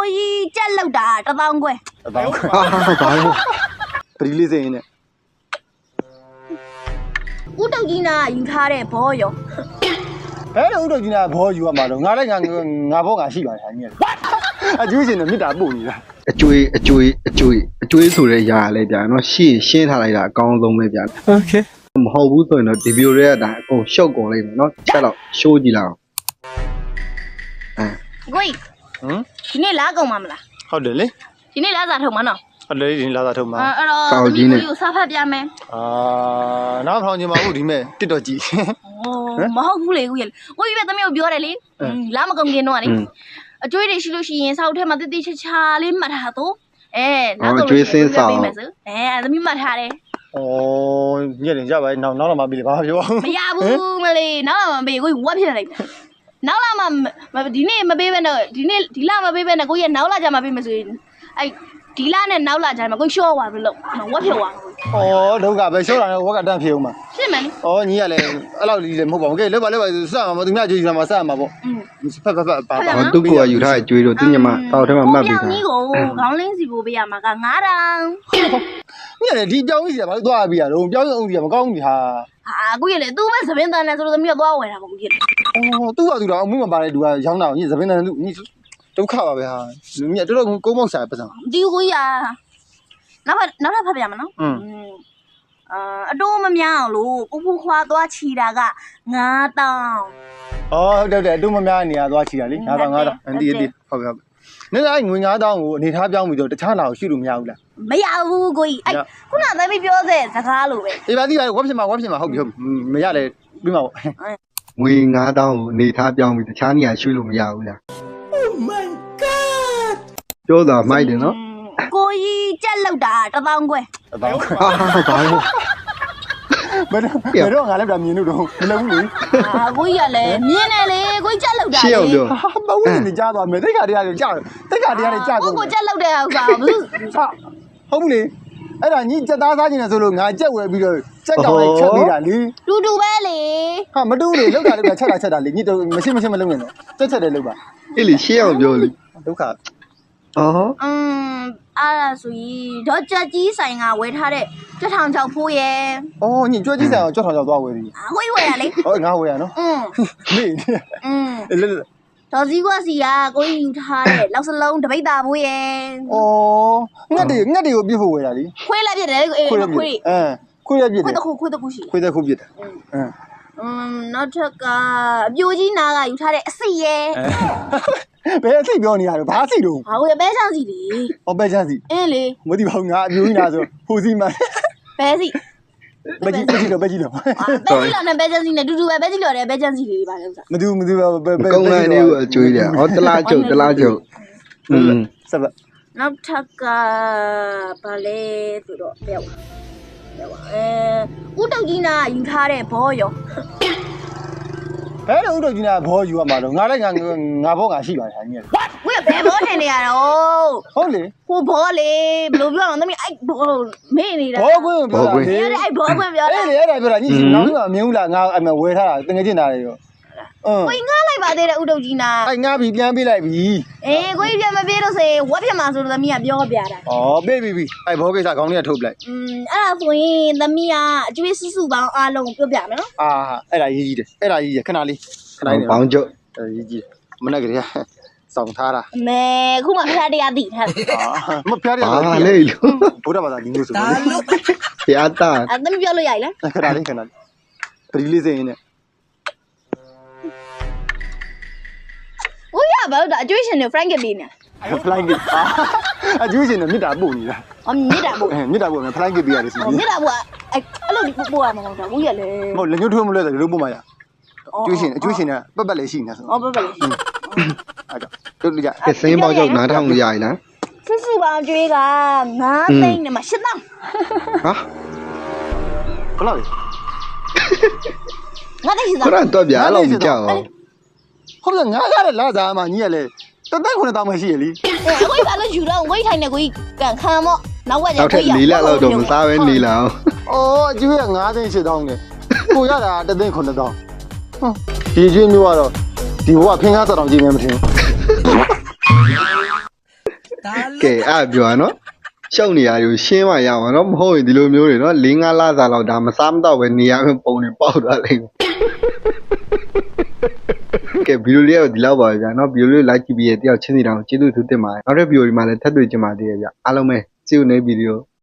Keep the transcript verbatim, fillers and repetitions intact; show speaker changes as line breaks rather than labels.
ကိုကြီးကြက်လောက်တာတစ်သောင်းခွဲ
တစ်သောင်းခွဲဟာဘာလို့ပရီလေးစိရင်နဲ့
ဦးတုတ်ကြီးနာယူထားတဲ့ဘောရော
ဘယ်လိုဦးတုတ်ကြီးနာဘောယူရမှာတော့ငါလည်းငါငါဘောငါရှိပါတယ်ဟာကြီးအကျွေးရှင်နဲ့မြစ်တာပို့နေတာ
အကျွေးအကျွေးအကျွေးအကျွေးဆိုတဲ့ຢာလဲဗျာနော်ရှင်းရှင်းထားလိုက်တာအကောင်းဆုံးပဲဗျာโอเคမဟုတ်ဘူးဆိုရင်တော့ဒီဗီဒီယိုရဲ့အတိုင်းအကုန်ရှုပ်ကုန်လိမ့်မယ်နော်ချက်တော့ရှိုးကြည့်လိုက်အောင်
အဲကိုကြီးဟမ်ဒီနေ့လာကုန်မှာမလား
ဟုတ်တယ်လေ
ဒီနေ့လာစားထုံမှာနော်
ဟုတ်တယ်ဒီနေ့လာစားထုံမှာ
အဲ့တော့ဒီကိုကြီးစားဖတ်ပြမယ်
အာနောက်ထောင်ချင်ပါဘူးဒီမဲ့တစ်တော့ကြည့်
မဟုတ်ဘူးလေကိုကြီးကိုကြီးပဲသမီးကိုပြောတယ်လေလာမကုန်ခင်တော့လေအကျွေးတွေရှိလို့ရှိရင်စောက်ထဲမှာတိတိချာချာလေးမှတ်ထားတော့အဲ
နောက်တော့ကျွေးစင်းဆောင်
အဲသမီးမှတ်ထားတယ်
ဩညက်တယ်ကြပါနောက်နောက်လာမှပြီလေဘာပြော
မရဘူးမလေးနောက်လာမှပြီကိုကြီးဝက်ဖြစ်နေလိုက်နောက်လာမှဒီနေ့မပေးဘဲနဲ့ဒီနေ့ဒီလမပေးဘဲနဲ့ကိုကြီးကနောက်လာကြမှာပေးမယ်ဆိုရင်အဲဒီလနဲ့နောက်လာကြမှာကိုကြီးရှော့သွားပြီလို့ဝက်ဖြစ်သွား
ဩဒုက္ခပဲရှော့တာနဲ့ဝက်ကတန့်ဖြစ်အောင်မှာ
ဖြစ်မယ်လေ
ဩညီကလည်းအဲ့လောက်ကြီးလည်းမဟုတ်ပါဘူးကဲလောက်ပါလောက်ပါစမှာမသူများကြွေးယူမှာစမှာပေါ့ဖက်ဖက်ဖက်ပါပါ
သူ့ကိုယူထားတဲ့ကြွေးတော့သူညမတောက်ထဲမှာမှတ်ပြီးတာ
ညီကိုခေါင်းလင်းစီကိုပေးရမှာကငါးတောင်
ညီကလည်းဒီပြောင်းကြီးစီကဘာလို့သွားပြီးရတော့ပြောင်းအောင်စီကမကောင်းဘူးဟာ
ဟာကိုကြီးလေသူ့မဲ့သပင်းတန်နဲ့ဆိုလို့သမီးကသွားဝယ်တာပေါ့ကိုကြီး
ဩသူ့ကသူတော့အမှုမပါတဲ့သူကရောင်းတာညီသပင်းတန်သူညီဒုက္ခပါပဲဟာညီတော်တော်ကုန်းမောက်စားပစံ
ဒီကိုကြီးကနောက်နောက်ထပ်ဖတ်ပြမှာနော်อืมအာအတိုးမများအောင်လို့ပူပူခွာသွားချီတာကငါးတောင်
ဩဟုတ်တယ်တယ်အတိုးမများနေရသွားချီတာလေငါးတောင်ငါးတောင်အန်တီအတီဟုတ်ကဲ့နေလိုက်ငွေငါးတောင်ကိုအနေထားပြောင်းပြီးတော့တခြားလာကိုရှိလို့မရဘူးလား
မရဘူးကိုကြီးအဲ့ခုနသမီးပြောတဲ့စကားလိုပဲ
အေးပါတိပါဝက်ဖြစ်မှာဝက်ဖြစ်မှာဟုတ်ပြီဟုတ်မရလေပြီးမှာပေါ့
ငွေငါးတောင်ကိုအနေထားပြောင်းပြီးတခြားနေရာရွှေ့လို့မရဘူးလား
Oh my god
ပြောတာမိုက်တယ်နော်
ကိုကြီးကြက်လောက်တာတစ်သောင်းခွဲ
တစ်သောင်းခွဲဟာဘာလို့ဘယ်တော့ဘယ်တော့ငါလည်းပြမြင်လို့တော့မလုပ်ဘူးလေ
အာကိုကြီးကလည်းမြင်တယ်လေကိုကြီးကြက်လောက်တာ
လေရှင်းအောင်ပြော
ဟာမဟုတ်ဘူးနေကြားသွားမယ်တိတ်ခါတရားတွေကြားတိတ်ခါတရားတွေကြား
ကိုကိုကြက်လောက်တဲ့ဥစ္စာဘူး
ဟုတ်ဘူးလေအဲ့ဒါညီကြက်သားစားခြင်းနဲ့ဆိုလို့ငါကြက်ဝယ်ပြီးတော့ကြက်ကောင်လေးချက်ပေးတာလေ
တူတူပဲလေ
ဟာမတူလေလောက်တာလောက်တာချက်တာချက်တာလေညီတို့မရှိမရှိမလုပ်နဲ့တော့ချက်ချက်တယ်လောက်ပါ
အေးလေရှင်းအောင်ပြောလေ
ဒုက္ခ
အော်
อืมအဲ့ဒါဆိုရင်ဒေါ်ကြက်ကြီးဆိုင်ကဝယ်ထားတဲ့ကြက်ထောင်ချောက်ဖိုးရဲ့
ဩညီကြွက်ကြီးဆိုင်ကကြက်ထောင်ချောက်သွားဝယ်ပြီ
အကိုကြီးဝယ်ရလေ
ဟုတ်ငါဝယ်ရနော်
อืม
နေ
อืมဒေါ်စည်းကွာစီကကိုကြီးယူထားတဲ့လောက်စလုံးတပိတ်တာဖိုးရဲ့
ဩငှက်တွေငှက်တွေကိုပြစ်ဖို့ဝယ်တာလေ
ခွေးလည်းပြစ်တယ်အေးခွေး
အဲခွေးလည်းပြစ်တယ်
ခွေးတစ်ခုခွေးတစ်ခုရှိ
ခွေးတစ်ခုပြစ်တယ်အင်း
อืมနောက်ထပ်ကအပြိုကြီးနာကယူထားတဲ့အစိရဲ့
ဘယ်အစိပြောနေရတော့ဘာအစိတော့
ဟာကိုပဲချမ်းစီလေ
ဟောပဲချမ်းစီ
အင်းလေ
မသိပါဘူးငါအမျိုးကြီးနာဆိုဟိုစီမ
ပဲစီ
ပဲကြီးပဲကြီးတော့ပဲကြီးတော့
ပဲကြီးလောနဲ့ပဲချမ်းစီနဲ့တူတူပဲပဲကြီးလောတဲ့ပဲချမ်းစီလေးပါလို့ဆိုတာ
မတူမတူပဲပဲ
ကုန်းလိုက်နေကိုအကျွေးတယ်ဟောတလားကျုပ်တလားကျုပ်อืม
ဆက်ပါ
နောက်ထပ်ကဘာလဲဆိုတော့ပြောက်ပြောက်အဲဦးတုတ်ကြီးနာယူထားတဲ့ဘောရော
ဘယ်လိုဦးတို့ကြီးနာဘောယူရမှာတော့ငါလည်းငါငါဘောငါရှိပါတယ်ဟာကြီး
ဝေးဘယ်ဘောထင်နေရတော့
ဟုတ်လေ
ဟိုဘောလေဘယ်လိုပြောတော့သမီးအဲ့ဘောမေ့နေတာ
ဘောကွင်းပြောတာ
လေအဲ့ဘောကွင်းပြောတာ
အဲ့လေအဲ့ဒါပြောတာညီငါ့မှာမမြင်ဘူးလားငါအမဝယ်ထားတာတငယ်ချင်းတာတွေရော
အင်းကိုငားလိုက်ပါသေးတယ်ဦးတုတ်ကြီးနာ
အဲ့ငါပြီးပြန်ပေးလိုက်ပြီ
အေးကိုကြီးပြန်မပေးလို့စေဝက်ပြမှာဆိုတော့သမီးကပြောပြတာ
ဩပေးပြီပြီအဲ့ဘောကိစ္စခေါင်းလေးကထုတ်ပလိုက်
อืมအဲ့ဒါဆိုရင်သမီးကအကျွေးစုစုပေါင်းအားလုံးပြောပြမယ်နော်
အာအဲ့ဒါရေးကြီးတယ်အဲ့ဒါရေးရခဏလေးခဏလေး
ဘောင်းကျုပ်
ရေးကြီးမနေ့ကလေးစောင့်ထားတာ
မဲခုမှဖျားတရားသိထား
မဖျားတရား
ဟာလေလို့
ဘုရားဘာသာဒီမျိုးဆို
ဖျားတာ
အဲ့သမီးပြောလို့ရည်လား
ခဏလေးခဏလေးပရီလေးစိရင်နဲ့
ဦးရဘာလို့အကျွေးရှင်တွေ Frank ပေးနေ
Frank အကျွေးရှင်တွေမြစ်တာပို့နေတာ
အော်မြစ်တာပို့
မြစ်တာပို့မယ် Frank ပေးရတယ်စီ
မြစ်တာပို့အဲ့အဲ့လိုပို့ရမှာမဟုတ်ဘူးဦးရလေ
မဟုတ်လက်ညှိုးထိုးမလဲဆိုလို့ပို့မှာရအကျွေးရှင်အကျွေးရှင်ကပတ်ပတ်လေးရှိနေဆို
အော်ပတ်ပတ်လေး
အဲ့တော့တို့ကြ
ည့်စိမ်းပေါက်ကြောက်နားထောင်လို့ရည်လား
စုစုပေါင်းကျွေးကငါးသိန်းနဲ့မှရှစ်သောင်း
ဟာဘယ်လောက်လဲ
ငါသိရှိသား
ခရတော့ဗျာအဲ့လိုမကြောက်
ဟုတ်လားငါရတဲ့လာစားမှညီရလေတသက်ခုနှစ်တောင်းမှရှိရလी
အဲကိုကြီးကလည်းယူတော့ကိုကြီးထိုင်နေကိုကြီးကန်ခံမော့နောက်ဝက်ကျ
ကိုကြီးရနောက်ထပ်လေးလက်လောက်တော့မစားပဲနေလာအောင်
အော်အကျွေးကငါးသိန်းရှစ်သောင်းနဲ့ကိုရတာတသိန်းခုနှစ်သောင်းဟွန်းဒီကျွေးမျိုးကတော့ဒီဘဝဖင်ကားစတောင်ကြည့်နေမထင်
ကဲအဲ့ပြောရနော်ရှောက်နေရတွေကိုရှင်းမှရမှာနော်မဟုတ်ရင်ဒီလိုမျိုးတွေနော်၄၅လစာလောက်ဒါမစားမတော့ပဲနေရမယ့်ပုံတွေပေါက်သွားလိမ့်မယ်ကဲဗီဒီယိုလေးကတော့ဒီလောက်ပါပဲဗျာနော်ဗီဒီယိုလေး like ကြည့်ပြီးရတယောက်ချင်းစီတောင်ကျေးဇူးထူးတင်ပါတယ်နောက်တဲ့ဗီဒီယိုဒီမှာလည်းထပ်တွေ့ကြပါသေးတယ်ဗျာအားလုံးပဲ see you next video